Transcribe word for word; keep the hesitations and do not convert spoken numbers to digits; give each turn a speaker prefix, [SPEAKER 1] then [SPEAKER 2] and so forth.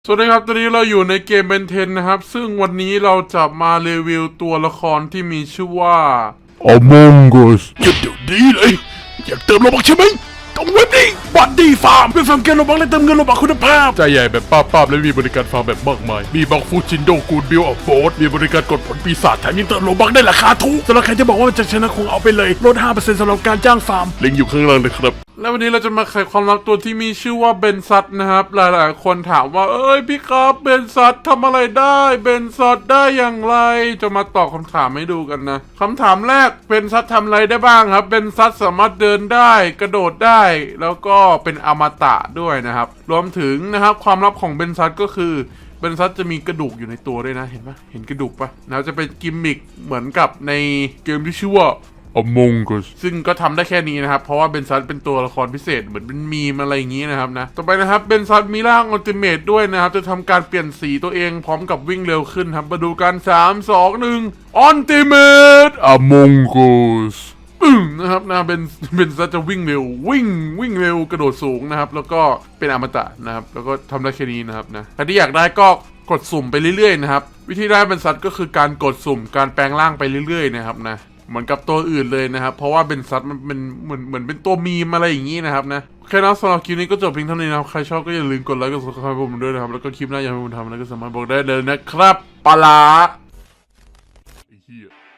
[SPEAKER 1] สวัสดีครับตอนนี้เราอยู่ในเกมเบนเทนนะครับซึ่งวันนี้เราจะมารีวิวตัวละครที่มีชื่อว่า
[SPEAKER 2] Among Us หยุดเดี๋ยวนี้เลยอยากเติมโลบักใช่ไหมต้องเว็บนี้บัตดี้ฟาร์มเป็นฟาร์มเกมโลบักและเติมเงินโลบักคุณภาพใจใหญ่แบบป้าป้าและมีบริการฟาร์มแบบมากมายมีบักฟูจินโดกูดบิลออฟโบสมีบริการกดผลปีศาจแถมยังเติมโลบักได้ราคาถูกสำหรับใครที่บอกว่าจะชนะคงเอาไปเลยลด ห้าเปอร์เซ็นต์ สำหรับการจ้างฟาร์มลิงก์อยู่ข้างล่างเลยครับ
[SPEAKER 1] และวันนี้เราจะมาไขความลับตัวที่มีชื่อว่าเบนซัตนะครับหลายๆคนถามว่าเอ้ยพี่ครับเบนซัตทำอะไรได้เบนซัตได้อย่างไรจะมาตอบคำถามให้ดูกันนะคำถามแรกเบนซัตทำอะไรได้บ้างครับเบนซัตสามารถเดินได้กระโดดได้แล้วก็เป็นอมตะด้วยนะครับรวมถึงนะครับความลับของเบนซัตก็คือเบนซัตจะมีกระดูกอยู่ในตัวด้วยนะเห็นปะเห็นกระดูกปะนะจะเป็นกิมมิคเหมือนกับในเกมที่ชื่อว่า
[SPEAKER 2] Among Us
[SPEAKER 1] ซึ่งก็ทำได้แค่นี้นะครับเพราะว่าเบนซัตเป็นตัวละครพิเศษเหมือนเป็นมีมอะไรอย่างนี้นะครับนะต่อไปนะครับเบนซัตมีร่างอัลติเมทด้วยนะครับจะทำการเปลี่ยนสีตัวเองพร้อมกับวิ่งเร็วขึ้นครับมาดูกันสาม สอง หนึ่งอัลติเมท
[SPEAKER 2] Among Us
[SPEAKER 1] ปึ้งนะครับนะเบนเบนซัตจะวิ่งเร็ววิ่งวิ่งเร็วกระโดดสูงนะครับแล้วก็เป็นอมตะนะครับแล้วก็ทำได้แค่นี้นะครับนะใครที่อยากได้ก็กดสุ่มไปเรื่อยๆนะครับวิธีได้เบนซัตก็คือการกดสุ่มการแปลงร่างไปเรื่อยๆนะครับนะเหมือนกับตัวอื่นเลยนะครับเพราะว่าเบนซัตมันเป็นเหมือนเหมือนเป็นตัวมีมอะไรอย่างนี้นะครับนะโอเคนะสำหรับคลิปนี้ก็จบเพียงเท่านี้นะครับใครชอบก็อย่าลืมกดไลค์กด ซับสไครบ์ ผมด้วยนะครับแล้วก็คลิปหน้าอยากให้ผมทำอะไรก็สามารถบอกได้เลยนะครับปลาร้าไอ้เหี้ย